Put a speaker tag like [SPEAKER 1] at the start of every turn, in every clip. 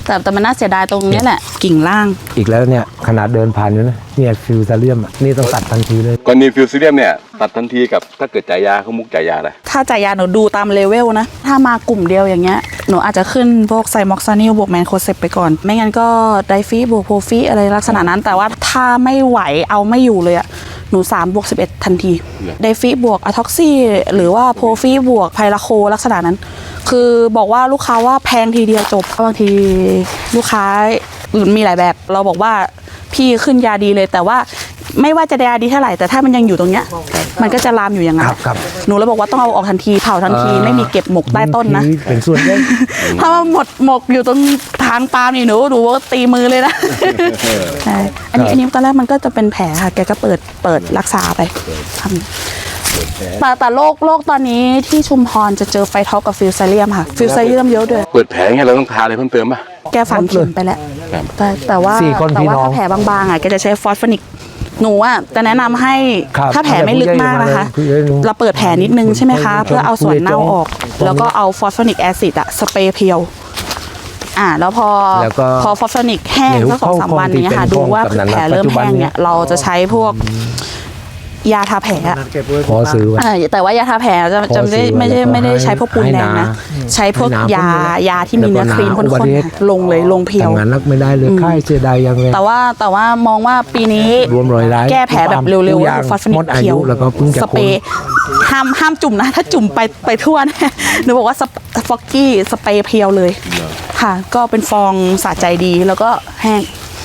[SPEAKER 1] แต่มันน่าเสียดายตรงนี้แหละกิ่งล่าง
[SPEAKER 2] อีกแล้วเนี่ยขนาดเดินผ่านอยู่นะเนี่ยฟิวซาเลียมนี่ต้องตัดทันทีเลย
[SPEAKER 3] กรณีฟิวซิเลียมเนี่ยตัดทันทีกับถ้าเกิดจ่ายยาเขามุกจ่ายยาอะไร
[SPEAKER 1] ถ้าจ่ายยาหนูดูตามเลเวลนะถ้ามากลุ่มเดียวอย่างเงี้ยหนูอาจจะขึ้นพวกไซม็อกซานิลบวกแมนโคเซปไปก่อนไม่งั้นก็ไดฟีบวกโพฟีอะไรลักษณะนั้นแต่ว่าถ้าไม่ไหวเอาไม่อยู่เลยอะหนู3 บวก 11ทันทีไดฟีบวกอะท็อกซี่หรือว่าโพฟีบวกไพลาโคลักษณะนั้นคือบอกว่าลูกค้าว่าแพงทีเดียวจบบางทีลูกค้ามีหลายแบบเราบอกว่าพี่ขึ้นยาดีเลยแต่ว่าไม่ว่าจะยาดีเท่าไหร่แต่ถ้ามันยังอยู่ตรงเนี้ยมันก็จะลามอยู่อย่างนั้นหนูเลยบอกว่าต้องเอาออกทันทีเผาทันทีไม่มีเก็บหมกใต้ต้นนะ
[SPEAKER 2] เป็นส่วนใหญ่
[SPEAKER 1] ถ้ามันหมกอยู่ตรงทางปาล์มนี่หนูว่าตีมือเลยนะใช่อันนี้ตอนแรกมันก็จะเป็นแผลค่ะแกก็เปิดรักษาไปทำแต่โรคตอนนี้ที่ชุมพรจะเจอไฟท็อปกับฟิวซาเลียมค่ะฟิวซาเลียมเยอะด้วย
[SPEAKER 3] เปิดแผลไงเราต้องทาอะไรเพิ่มเติมป่ะ
[SPEAKER 1] แกฝังเข็มไปแล้วแต่ว่าถ้าแผลบางๆอ่ะแกจะใช้ฟอสฟอนิกหนูอ่ะจะแนะนำให้ถ้าแผลไม่ลึกมากนะคะเราเปิดแผลนิดนึงใช่ไหมคะเพื่อเอาส่วนเน่าออกแล้วก็เอาฟอสฟอนิกแอซิดอะสเปรย์เพียวแล้วพอฟอสฟอนิกแห้งสัก2-3 วันนี้ค่ะดูว่าแผลเริ่มแห้งเนี่ยเราจะใช้พวกยาทาแผล
[SPEAKER 2] พอซื้อ
[SPEAKER 1] แต่ว่ายาทาแผลจะไม่ได้ใช้พวกปูนแดงนะใช้พวกยาที่มีเนื้อครีมข้นๆลงเพียว
[SPEAKER 2] งานนักไม่ได้เลยค่ายเสียดายยังไง
[SPEAKER 1] แต่ว่ามองว่าปีนี้แก้แผลแบบเร็วๆฟอสฟอนิกเพียวสเปรย์ห้ามจุ่มนะถ้าจุ่มไปทั่วนะหนูบอกว่าฟอกกี้สเปรย์เพียวเลยค่ะก็เป็นฟองสะใจดีแล้วก็แห้ง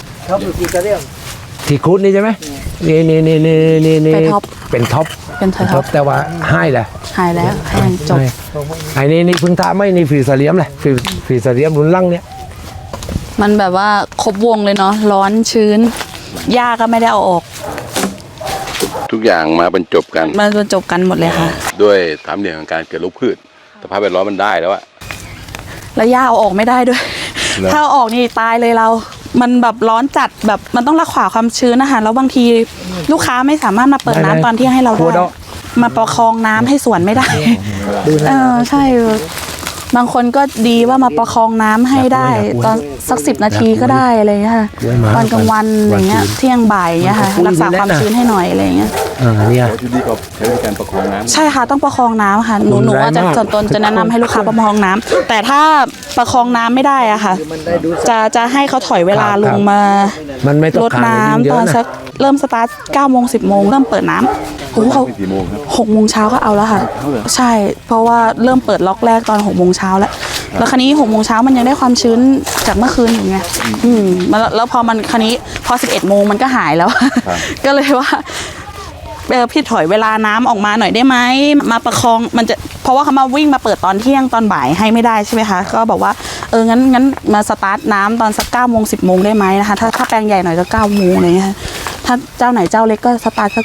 [SPEAKER 2] ที่ครุฑนี่ใช่ไหมนี่เป็นท็อปแต่ว่าหายแล้ว
[SPEAKER 1] แห้งจบ
[SPEAKER 2] ไอ้นี่พึ่งทาไม่นี่ฟิวซาเลียมเลยฟิวซาเลียมรุนลั่งเนี่ย
[SPEAKER 1] มันแบบว่าครบวงเลยเนาะร้อนชื้นหญ้าก็ไม่ได้เอาออก
[SPEAKER 3] ทุกอย่างมาบรรจบกัน
[SPEAKER 1] หมดเลยค่ะ
[SPEAKER 3] ด้วยสามเหลี่ยมของการเกิดโรคพืชสภาพแวดล้อมมันได้แล้วอะ
[SPEAKER 1] แล้วหญ้าเอาออกไม่ได้ด้วยถ้าเอาออกนี่ตายเลยเรามันแบบร้อนจัดแบบมันต้องรักษาความชื้นนะคะแล้วบางทีลูกค้าไม่สามารถมาเปิดน้ำตอนที่ให้เราได้มาประคองน้ำให้สวนไม่ได้ใช่บางคนก็ดีว่ามาประคองน้ำให้ได้ตอนสัก10 นาทีก็ได้อะไรเงี้ยค่ะตอนกลางวันอย่างเงี้ยเที่ยงบ่ายเงี้ยค่ะรักษาความชื้นให้หน่อยอะไรเงี้ย
[SPEAKER 2] เนี่ย
[SPEAKER 3] ที่ดีก็ใช้การประคองน้ำ
[SPEAKER 1] ใช่ค่ะต้องประคองน้ำค่ะหนูว่าจะส่วนตนจะแนะนำให้ลูกค้าประคองน้ำแต่ถ้าประคองน้ำไม่ได้อ่ะค่ะจะให้เขาถอยเวลาลงมาลดน้ำตอนสักเริ่มสตาร์ท9 โมง 10 โมงเริ่มเปิดน้ำเขา6 โมงเช้าก็เอาแล้วค่ะใช่เพราะว่าเริ่มเปิดล็อกแรกตอน6 โมงเช้าแล้วคราวนี้6 โมงเช้ามันยังได้ความชื้นจากเมื่อคืนอยู่ไงแล้วพอมันคราวนี้พอ11 โมงมันก็หายแล้วก็เลยว่าพี่ถอยเวลาน้ำออกมาหน่อยได้ไหมมาประคองมันจะเพราะว่าเขามาวิ่งมาเปิดตอนเที่ยงตอนบ่ายให้ไม่ได้ใช่ไหมคะก็บอกว่างั้นมาสตาร์ทน้ำตอนสัก9 โมง 10 โมงได้ไหมนะคะถ้าแปลงใหญ่หน่อยจะ9 โมงอะไรเงี้ยถ้าเจ้าไหนเจ้าเล็กก็สตาร์ทสัก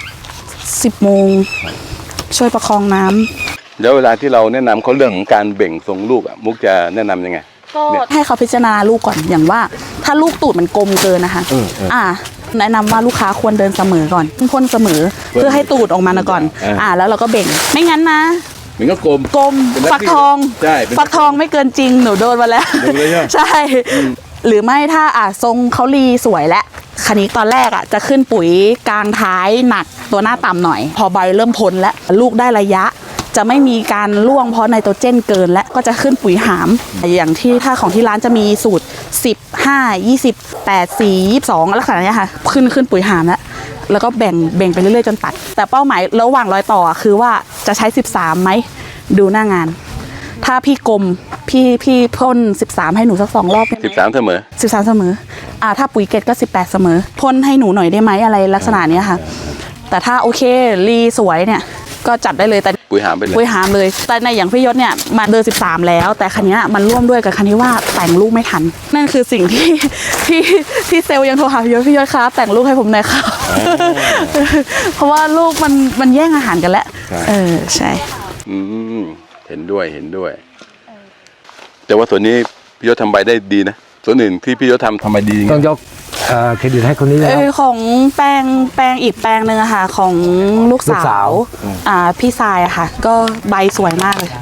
[SPEAKER 1] 10 โมงช่วยประคองน้ำ
[SPEAKER 3] แล้วเวลาที่เราแนะนำเขาเรื่องของการเบ่งทรงลูกอ่ะมุกจะแนะนํำยังไง
[SPEAKER 1] ก็ให้เขาพิจารณาลูกก่อนอย่างว่าถ้าลูกตูดมันกลมเกินนะคะแนะนำว่าลูกค้าควรเดินเสมอก่อนพ่นเสมอเพื่อให้ตูดออกมาก่อนแล้วเราก็เบ่งไม่งั้นนะ
[SPEAKER 3] มันก็กลม
[SPEAKER 1] ฟักทองฟักทองไม่เกินจริงหนูโดนมาแล้วใช่หรือไม่ถ้าทรงเขาลีสวยและคันนี้ตอนแรกจะขึ้นปุ๋ยกลางท้ายหนักตัวหน้าต่ำหน่อยพอใบเริ่มพ้นแล้วลูกได้ระยะจะไม่มีการร่วงเพราะไนโตรเจนเกินและก็จะขึ้นปุ๋ยหามอย่างที่ถ้าของที่ร้านจะมีสูตร10 5 20 8 4 22ลักษณะนี้ค่ะขึ้นปุ๋ยหามแล้วก็แบ่งไปเรื่อยๆจนตัดแต่เป้าหมายระหว่างรอยต่อคือว่าจะใช้13ไหมดูหน้างานถ้าพี่กลมพี่พ่น13ให้หนูสัก2 รอบ
[SPEAKER 3] 13เสมอ
[SPEAKER 1] ถ้าปุ๋ยเกตก็18เสมอพ่นให้หนูหน่อยได้ไหมอะไรลักษณะนี้ค่ะแต่ถ้าโอเครีสวยเนี่ยก็จัดได้เลยแต่
[SPEAKER 3] ปุ๋ยหามไป
[SPEAKER 1] เลยแต่ในอย่างพี่ยศเนี่ยมาเดิน13แล้วแต่คันนี้มันร่วมด้วยกับคันนี้ว่าแต่งลูกไม่ทันนั่นคือสิ่งที่เซลล์ยังโทรหาพี่ยศครับแต่งลูกให้ผมหน่อยครับเพราะว่าลูกมันแย่งอาหารกันแล้วใช่
[SPEAKER 3] เห็นด้วยแต่ว่าส่วนนี้พี่ยศทำใบได้ดีนะส่วนอื่นที่พี่ยศทำใบดี
[SPEAKER 2] ต้องยกเครดิตให้คนนี้แล้ว
[SPEAKER 1] ของแปลงอีกแปลงหนึ่งอะค่ะของลูกสาวพี่ทรายอะค่ะก็ใบสวยมากเลย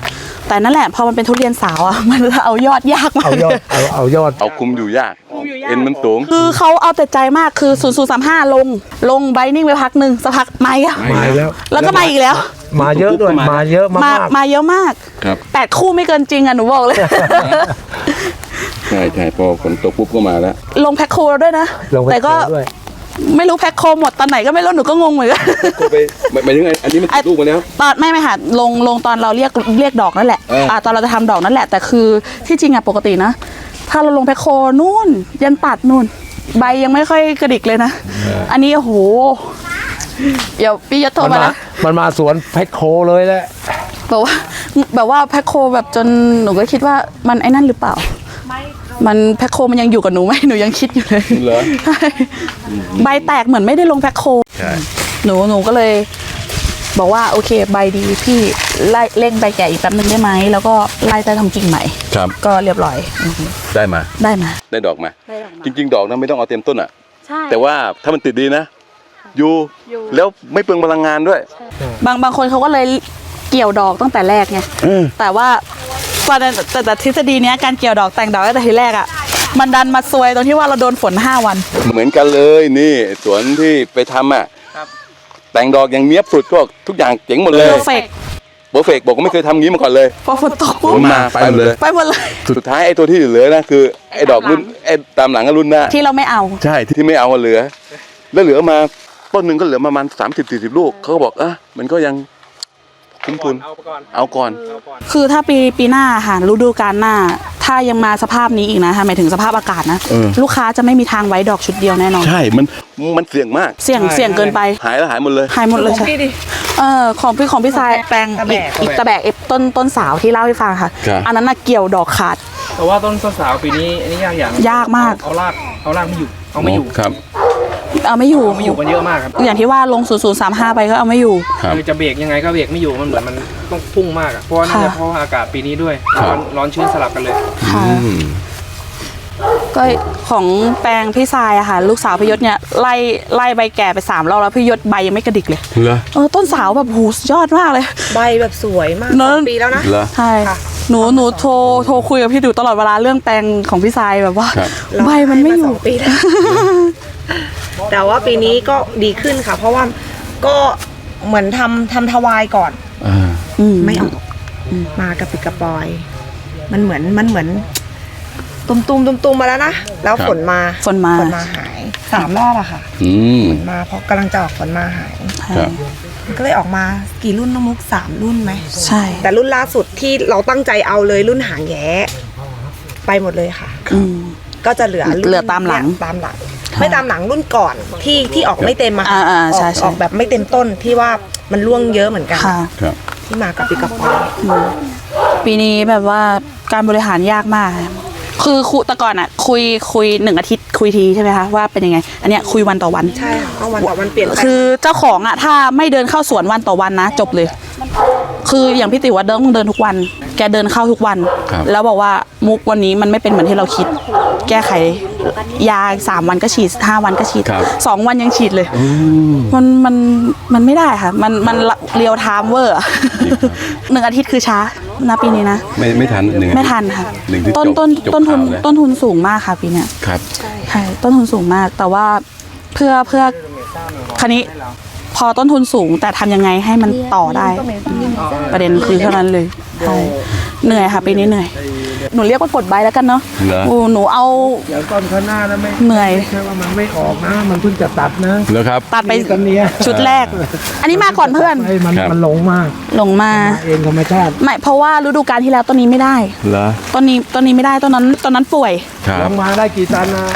[SPEAKER 1] แต่นั่นแหละพอมันเป็นทุเรียนสาวอ่ะ มันเอายอดยากมาก
[SPEAKER 2] เอายอด
[SPEAKER 3] เอาคุมอยู่ยากเอ็นมันสูง
[SPEAKER 1] คือเขาเอาแต่ใจมากคือ0035ลงไบนิ่งไปพักหนึ่งสักพักมาอีกอะ
[SPEAKER 2] มาแล้ว
[SPEAKER 1] แล้วก็มาอีกแล้ว
[SPEAKER 2] มาเยอะด้วยมาเยอะมาก
[SPEAKER 1] มาเยอะมาก
[SPEAKER 3] ครับ
[SPEAKER 1] 8 คู่ไม่เกินจริงอ่ะหนูบอกเลย
[SPEAKER 3] ใช่พอฝนตกปุ๊บก็มาแล้ว
[SPEAKER 1] ลงแพ็คโคแล้วด้วยนะ
[SPEAKER 2] ลงไป
[SPEAKER 1] แต่ก็
[SPEAKER 2] ด้วย
[SPEAKER 1] ไม่รู้แพ็คโคหมดตอนไหนก็ไม่รู้หนูก็งงเหมือนกัน
[SPEAKER 3] ก็ไปหมายถึงไงอันนี้มันติดลูกมาแล้ว
[SPEAKER 1] ตอนไม่ค่ะลงตอนเราเรียกดอกนั่นแหละ ตอนเราจะทำดอกนั่นแหละ แต่คือที่จริงอะปกตินะ ถ้าเราลงแพ็คโคนู่นยันตัดนู่น ใบยังไม่ค่อยกระดิกเลยนะ อันนี้โอ้โหเดี๋ยวพี่ยศโทรมานะ
[SPEAKER 2] มันมาสวนแพ็คโคเลยแหละ
[SPEAKER 1] แบบว่าแพ็คโคแบบจนหนูก็คิดว่ามันไอ้นั่นหรือเปล่า มันแพ็คโคมันยังอยู่กับหนูไหมหนูยังคิดอยู่เลย
[SPEAKER 3] เหรอ
[SPEAKER 1] ใช่ใบแตกเหมือนไม่ได้ลงแพ็คโค
[SPEAKER 3] ใช่
[SPEAKER 1] หนูก็เลย บอกว่าโอเคใบดีพี่ไล่เร่งใบแก่อีกแป๊บนึงได้ไหมแล้วก็ไล่ใต้ทำกิ่งใหม่
[SPEAKER 3] ครับ
[SPEAKER 1] ก็เรียบร้อย
[SPEAKER 3] ได้มา
[SPEAKER 1] ได้มา
[SPEAKER 3] ได้ดอกมา
[SPEAKER 1] ได้ดอกมา
[SPEAKER 3] จริง ๆ ดอกนั้นไม่ต้องเอาเต็มต้นอ่ะ
[SPEAKER 1] ใช่
[SPEAKER 3] แต่ว่าถ้ามันติดดีนะ อยู่แล้วไม่เปลืองพลังงานด้วย
[SPEAKER 1] บางคนเขาก็เลยเกี่ยวดอกตั้งแต่แรกไงแต่ว่าแต่ทฤษฎีเนี้ยการเกี่ยวดอกแต่งดอกตั้งแต่ทีแรกอ่ะมันดันมาซวยตรงที่ว่าเราโดนฝน5 วัน
[SPEAKER 3] เหมือนกันเลยนี่สวนที่ไปทำอ่ะแต่งดอกอย่างเนี้ยบสุดก็ทุกอย่างเจ๋งหมดเลย
[SPEAKER 1] เพอร์เฟก
[SPEAKER 3] โปรเฟกบอกว่าไม่เคยทำงี้มาก่อนเลย
[SPEAKER 1] พอฝนตกปุ๊บ
[SPEAKER 3] ฝนมาไปหมดเลย
[SPEAKER 1] ไปหมดเลย
[SPEAKER 3] สุดท้ายไอ้ตัวที่เหลือนะคือไอ้ดอกรุ่นไอ้ตามหลังก็รุ่นหน้า
[SPEAKER 1] ที่เราไม่เอา
[SPEAKER 3] ใช่ที่ไม่เอาเหลือ แล้วเหลือมาต้นหนึ่งก็เหลือประมาณ30-40 ลูกเขาก็บอกมันก็ยังคุ้มทุนเอาก่อน
[SPEAKER 1] คือถ้าปีหน้าค่ะฤดูกาลหน้า ถ้ายังมาสภาพนี้อีกนะหมายถึงสภาพอากาศนะ ลูกค้าจะไม่มีทางไว้ดอกชุดเดียวแน่นอน
[SPEAKER 3] ใช่มันเสี่ยงมาก
[SPEAKER 1] เสี่ยงเกินไป
[SPEAKER 3] หายแล้วหายหมดเลย
[SPEAKER 1] หายหมดเลยใช่ของพี่ทรายแปลงอีกตะแบกต้นสาวที่เล่าให้ฟังค่ะ
[SPEAKER 3] ครับ
[SPEAKER 1] อันนั้นน่ะเกี่ยวดอกขาด
[SPEAKER 4] แต่ว่าต้นสาวปีนี้อันนี้ยากอย่าง
[SPEAKER 1] ยากมาก
[SPEAKER 4] เอารากไม่อยู่เอาไม่อยู่
[SPEAKER 3] ครับ
[SPEAKER 1] เอาไม่อยู่
[SPEAKER 4] ไม่อยู่กันเยอะมากครับ
[SPEAKER 1] อย่างที่ว่าลง0035ไปก็เอาไม่อยู่
[SPEAKER 3] ครับ
[SPEAKER 4] คือจะเบรกยังไงก็เบรกไม่อยู่มันเหมือนมันต้องพุ่งมากอะเพราะว่าน่าจะเพราะว่าอากาศปีนี้ด้วย
[SPEAKER 3] ครับ
[SPEAKER 4] ร้อนชื้นสลับกันเลย
[SPEAKER 1] ค่ะ ก็ของแปลงพี่ทรายอะค่ะ ลูกสาวพี่ยศเนี่ยไล่ใบแก่ไป3 รอบแล้วพี่ยศใบยังไม่กระดิกเลย
[SPEAKER 3] เหรอ
[SPEAKER 1] ต้นสาวแบบหูสุดยอดมากเลย
[SPEAKER 5] ใบแบบสวยมาก
[SPEAKER 1] เนอะ
[SPEAKER 5] 2 ปีแล้วนะ
[SPEAKER 3] เหรอ
[SPEAKER 1] ใช่หนูโทรคุยกับพี่ดูตลอดเวลาเรื่องแปลงของพี่ทรายแบบว่า
[SPEAKER 3] ครับ
[SPEAKER 1] ใบมันไม่อยู่
[SPEAKER 5] 2 ปีแล้ว แต่ว่าปีนี้ก็ดีขึ้นค่ะ เพราะว่าก็เหมือนทำทวายก่อน ไม่ออกมากระปิดกระปอย มันเหมือนตุมมาแล้วนะ แล้วฝนมา
[SPEAKER 1] ฝนมา
[SPEAKER 5] หาย3 รอบอะค่ะ ฝนมาเพราะกำลังจะออกฝนมาหาย
[SPEAKER 3] ครับ
[SPEAKER 5] มันก็เลยออกมากี่รุ่นน้องมุก3 รุ่นไหม
[SPEAKER 1] ใช่
[SPEAKER 5] แต่รุ่นล่าสุดที่เราตั้งใจเอาเลยรุ่นหางแย้ไปหมดเลยค่ะ ก็จะเหลือรุ่น
[SPEAKER 1] เหลือตามหลัง
[SPEAKER 5] เนี่ยตามหลัง ไม่ตามหลังรุ่นก่อนที่ออกไม่เต็มอะค่ะ
[SPEAKER 1] ใช่
[SPEAKER 5] ออกแบบไม่เต็มต้นที่ว่ามันร่วงเยอะเหมือนกัน
[SPEAKER 1] ค่ะ
[SPEAKER 3] ครับ
[SPEAKER 5] ที่มากับปีกับปอย
[SPEAKER 1] ปีนี้แบบว่าการบริหารยากมาก คือแต่ก่อนอะคุย1 อาทิตย์คุยทีใช่ไหมคะว่าเป็นยังไง อันเนี้ยคุยวันต่อวัน
[SPEAKER 5] ใช่ค่ะก็วันต่อวันเปลี่ยนแปลง
[SPEAKER 1] คือเจ้าของอะถ้าไม่เดินเข้าสวนวันต่อวันนะจบเลย คืออย่างพี่ติ๋วว่าต้องเดินทุกวัน แกเดินเข้าทุกวัน
[SPEAKER 3] ครับ
[SPEAKER 1] แล้วบอกว่ามุกวันนี้มันไม่เป็นเหมือนที่เราคิด แก้ไขยา3 วันก็ฉีด5 วันก็ฉีด
[SPEAKER 3] ครับ
[SPEAKER 1] 2 วันยังฉีดเลยมันไม่ได้ค่ะ มันเรียวไทม์เวอร์1 อาทิตย์คือช้านะปีนี้นะ
[SPEAKER 3] ไม่ทันหนึ่ง
[SPEAKER 1] ไม่ทันค่ะ
[SPEAKER 3] หนึ่งที่
[SPEAKER 1] ต้น
[SPEAKER 3] จบ
[SPEAKER 1] ต้นทุน
[SPEAKER 3] ข่าวแล้ว
[SPEAKER 1] ต้นทุนสูงมากค่ะปีเนี้ย
[SPEAKER 3] ครับ
[SPEAKER 1] ใช่ต้นทุนสูงมาก แต่ว่าเพื่อคันนี้พอต้นทุนสูงแต่ทำยังไงให้มันต่อได้ ประเด็นคือเท่านั้นเลยใช่เหนื่อยค่ะปีนี้เหนื่อย หนูเรียกว่ากดใบแล้วกันเนาะ
[SPEAKER 3] เหรอ
[SPEAKER 1] หนูเอา
[SPEAKER 2] เดี๋ยวต้นข้างหน้านะไม่
[SPEAKER 1] เหนื่อย
[SPEAKER 2] ใช่ว่ามันไม่ออกนะ มันเพิ่งจะตัดนะ
[SPEAKER 3] แล้วครับ
[SPEAKER 1] ตัดไป
[SPEAKER 2] ต้นเนี้ย
[SPEAKER 1] ชุดแรก อันนี้มาก่อนเพื่อน
[SPEAKER 2] ไอ้มัน
[SPEAKER 3] ครับ
[SPEAKER 2] มันหลงมาก
[SPEAKER 1] ลงมา
[SPEAKER 2] เองธรรมชาติ
[SPEAKER 1] ไม่เพราะว่าฤดูกาลที่แล้วต้นนี้ไม่ได้
[SPEAKER 3] เหรอ
[SPEAKER 1] ต้นนี้ไม่ได้ต้นนั้นป่วย
[SPEAKER 3] ครั
[SPEAKER 2] ล
[SPEAKER 3] บ
[SPEAKER 2] งมาได้กี่ตันนะ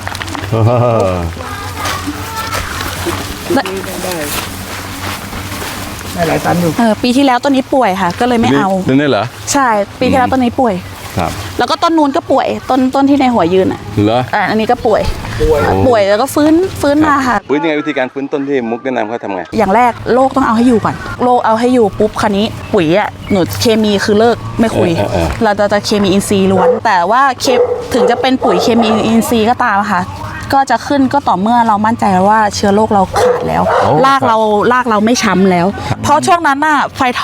[SPEAKER 2] ได้หลายตันอยู่
[SPEAKER 1] ปีที่แล้วต้นนี้ป่วยค่ะ ก็เลยไม่เอา
[SPEAKER 3] นี่เหรอ
[SPEAKER 1] ใช่ปีที่แล้วต้นนี้ป่วย
[SPEAKER 3] ครับ
[SPEAKER 1] แล้วก็ต้นนู้นก็ป่วยต้นที่ในหัวยืนอ่ะ
[SPEAKER 3] เหรอ
[SPEAKER 1] อันนี้ก็ป่วยแล้วก็ฟื้นมาค่ะ
[SPEAKER 3] ฟื้นยังไงวิธีการฟื้นต้นที่มุกแนะนำเขาทำไง
[SPEAKER 1] อย่างแรกโรคต้องเอาให้อยู่ก่อนโรคเอาให้อยู่ปุ๊บคันนี้ปุ๋ยอ่ะหนูเคมีคือเลิกไม่คุย เราจะเคมีอินทรีย์ล้วน แต่ว่าถึงจะเป็นปุ๋ยเคมีอินทรีย์ก็ตามค่ะ ก็จะขึ้นก็ต่อเมื่อเรามั่นใจว่าเชื้อโรคเราขาดแล้วรากเราไม่ช้ำแล้ว เพราะช่วงนั้นน่ะไฟท็อป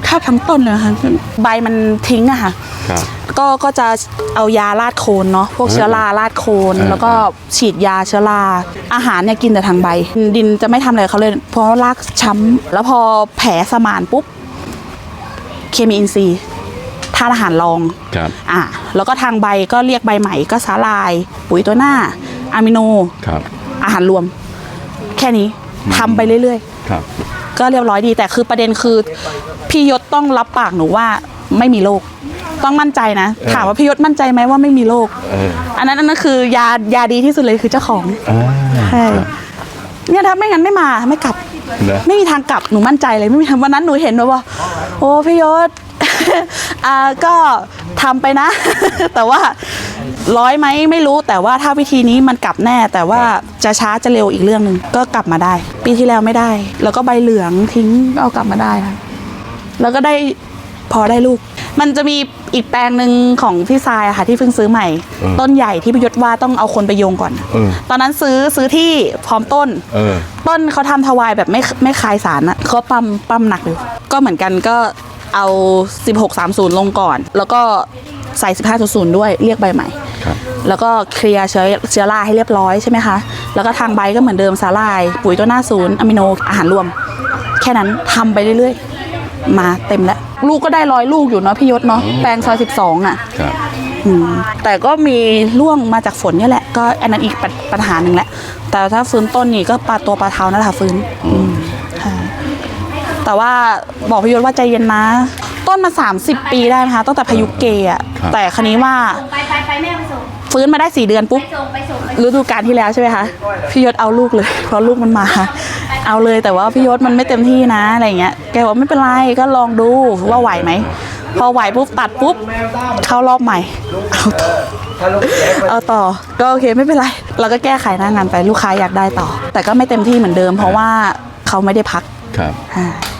[SPEAKER 1] แทบทั้งต้นเลยค่ะใบมันทิ้งอะค่ะ
[SPEAKER 3] ครับ
[SPEAKER 1] ก็จะเอายาราดโคนเนาะพวกเชื้อราราดโคนแล้วก็ฉีดยาเชื้อราอาหารเนี่ยกินแต่ทางใบดินจะไม่ทำอะไรเขาเลยเพราะรากช้ำแล้วพอแผลสมานปุ๊บเคมีอินทรีย์ธาตุอาหารรอง
[SPEAKER 3] ครับ
[SPEAKER 1] แล้วก็ทางใบก็เรียกใบใหม่ก็สาลาย ปุ๋ยตัวหน้าอะมิโน
[SPEAKER 3] ครับ
[SPEAKER 1] อาหารรวม แค่นี้ทำไปเรื่อย
[SPEAKER 3] ครับ
[SPEAKER 1] ๆก็เรียบร้อยดีแต่คือประเด็นคือพี่ยศต้องรับปากหนูว่าไม่มีโรคต้องมั่นใจนะถามว่าพี่ยศมั่นใจไหมว่าไม่มีโรคอันนั้นคือยาดีที่สุดเลยคือเจ้าของใช่เนี่ยถ้าไม่งั้นไม่มาไม่กลับ ไม่มีทางกลับหนูมั่นใจเลยไม่มีทางวันนั้นหนูเห็นว่าโอ้พี่ยศ ก็ทำไปนะ แต่ว่า100ไหมไม่รู้แต่ว่าถ้าวิธีนี้มันกลับแน่ แต่ว่าจะช้าจะเร็วอีกเรื่องหนึ่งก็กลับมาได้ ปีที่แล้วไม่ได้ แล้วก็ใบเหลืองทิ้งก็เอากลับมาได้ค่ะแล้วก็ได้พอได้ลูก มันจะมีอีกแปลงหนึ่งของพี่ทรายอะค่ะที่เพิ่งซื้อใหม่ ต้นใหญ่ที่พี่ยศว่าต้องเอาคนไปโยงก่อนตอนนั้นซื้อที่พร้อมต้นต้นเขาทำถวายแบบไม่คายสารอะเขาปั๊มหนักเลยก็เหมือนกันก็เอา1630ลงก่อนแล้วก็ใส่1500ด้วยเรียกใบใหม่แล้วก็เคลียร์เชื้อราให้เรียบร้อยใช่ไหมคะแล้วก็ทางใบก็เหมือนเดิมสาลายปุ๋ยตัวหน้า0อะมิโนอาหารรวมแค่นั้นทำไปเรื่อยๆมาเต็มแล้วลูกก็ได้100ลูกอยู่เนาะพี่ยศเนาะแปลงซอย12อ่ะแต่ก็มีร่วงมาจากฝนนี่แหละก็อันนั้นอีกปัญหาหนึ่งแหละแต่ถ้าฟื้นต้นนี่ก็ปลาเท้านั่นแหละฟื้นแต่ว่าบอกพี่ยศว่าใจเย็นนะต้นมา30 ปีได้นะคะตั้งแต่พายุเกอะแต่คราวนี้ว่าฟื้นมาได้4 เดือนปุ๊บฤดูกาลที่แล้วใช่ไหมคะพี่ยศเอาลูกเลยเพราะลูกมันมาเอาเลยแต่ว่าพี่ยศมันไม่เต็มที่นะอะไรเงี้ยแกบอกไม่เป็นไรก็ลองดูว่าไหวไหมพอไหวปุ๊บตัดปุ๊บเข้ารอบใหม่เอาต่อก็โอเคไม่เป็นไรเราก็แก้ไขหน้างานไปลูกค้าอยากได้ต่อแต่ก็ไม่เต็มที่เหมือนเดิมเพราะว่าเขาไม่ได้พัก